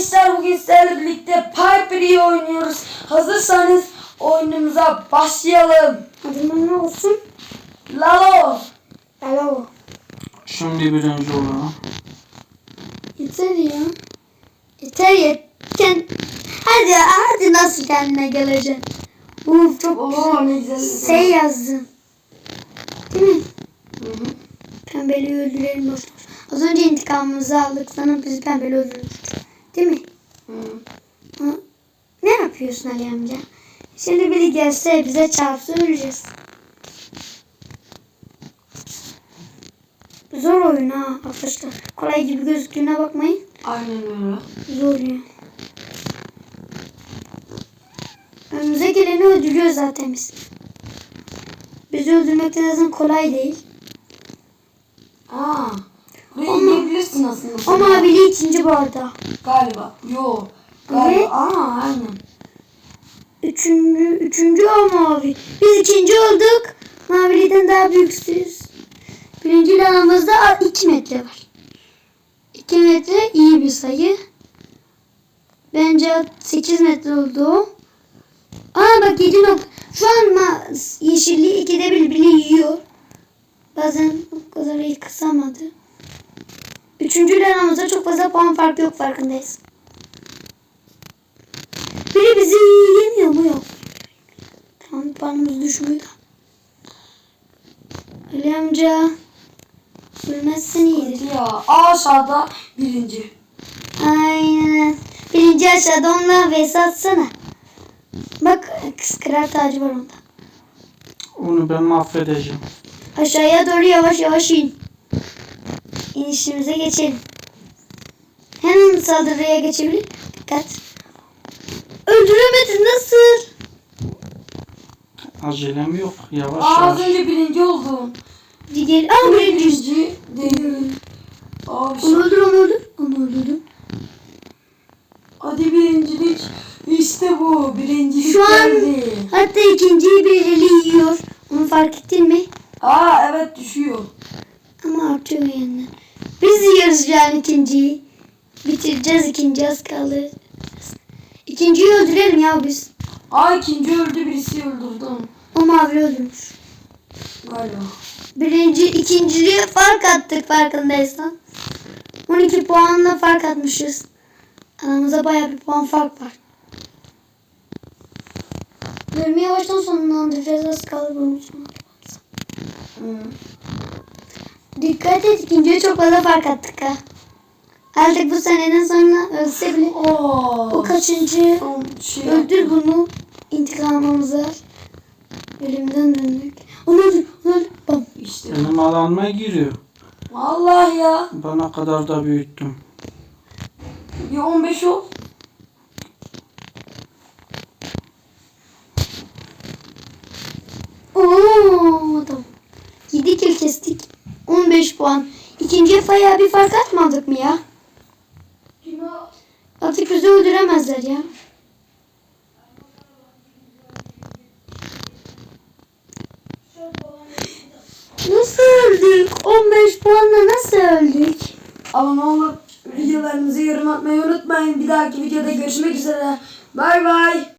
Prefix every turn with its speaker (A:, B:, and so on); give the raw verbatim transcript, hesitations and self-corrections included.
A: Gençler, bugün sizlerle birlikte Piper'ı oynuyoruz. Hazırsanız oyunumuza başlayalım.
B: Adımın ne olsun?
A: Lalo.
B: Lalo.
C: Şimdi birinci olalım.
B: Yeter ya. Yeter yeter. Hadi hadi nasıl kendine geleceksin? Uf çok
A: Oo, ne güzel.
B: şey yazdın. Değil mi?
A: Hı hı.
B: Pembeli öldürelim dostum. Az önce intikamımızı aldık. Sana bizi pembeli öldürmüştü. Değil mi?
A: Hı.
B: Hı. Ne yapıyorsun Ali amca? Şimdi biri gelse bize çarpsa öleceğiz. Zor oyun ha arkadaşlar. Kolay gibi gözüktüğüne bakmayın.
A: Aynen öyle.
B: Zor ya. Önümüze geleni öldürüyoruz zaten biz. Bizi öldürmek de zaten kolay değil.
A: Aa. Buraya
B: Ama-
A: inebilirsin aslında.
B: O mavili ikinci bu arada.
A: Galiba. Yo. Galiba.
B: Evet.
A: Aa, aynen.
B: Üçüncü, üçüncü o mavi. Biz ikinci olduk. Maviliden daha büyüksüz. Birinci aramızda iki metre var. iki metre iyi bir sayı. Bence sekiz metre oldu. Aa bak yedi nokta. Şu an ma- yeşilliği ikide bir bile yiyor. Bazen o kadar iyi kısamadı. Üçüncü aramızda çok fazla puan farkı yok, farkındayız. Biri bizi yemiyor mu? Yok. Tamam, puanımız düşmüyor da. Ali amca. Ölmezsen iyidir.
A: Ya. Aşağıda birinci.
B: Aynen. Birinci aşağıda onunla vs atsana. Bak kıskırar tacı var onda.
C: Onu ben mahvedeceğim.
B: Aşağıya doğru yavaş yavaş in. İnişimize geçelim. Hemen saldırıya geçebilir. Dikkat. Öldüremedin, nasıl?
C: Acelem yok. Yavaş
A: Aa, az
C: yavaş.
A: önce birinci oldum.
B: Diğer, aa
A: Ama
B: birinci.
A: birinci değil. Aa, bir şey.
B: Onu öldür, onu öldür. Onu öldürdüm.
A: Hadi birincilik. İşte bu. Birincilik
B: Şu an
A: geldi.
B: hatta ikinciyi birileri yiyor. Onu fark ettin mi?
A: Aa, evet, düşüyor.
B: Ama artıyor yeniden. Biz yiyoruz yani ikinciyi. Bitireceğiz, ikinci az kaldı. İkinciyi öldürelim ya biz.
A: Aa, ikinci öldü, birisi öldürdü onu.
B: O mavi öldürmüş.
A: Galiba.
B: Birinci, ikinciye fark attık farkındaysan. on iki puanla fark atmışız. Aramızda bayağı bir puan fark var. Bölümü yavaştan sonlandıracağız. Az kaldı bölümü sonlandıracağız.
A: Hı.
B: Dikkat et, ikinciye çok fazla fark attık ha. Artık bu seneden sonra ölse bile
A: Oo.
B: o kaçıncı
A: Son şey
B: öldür bunu, intikamımız var. Bölümden döndük. Onu öldür, onu öldür. Bam.
A: İşte.
C: Benim alanıma giriyor.
A: Vallahi ya.
C: Bana kadar da büyüttüm.
A: Bir on beş ol.
B: Oo, tamam. yedi kill kestik. on beş puan. İkinciye bayağı bir fark atmadık mı ya? Artık bizi öldüremezler ya. Nasıl öldük? on beş puanla nasıl öldük?
A: Ama ne olur videolarımızı yorum atmayı unutmayın. Bir dahaki videoda görüşmek üzere. Bay bay.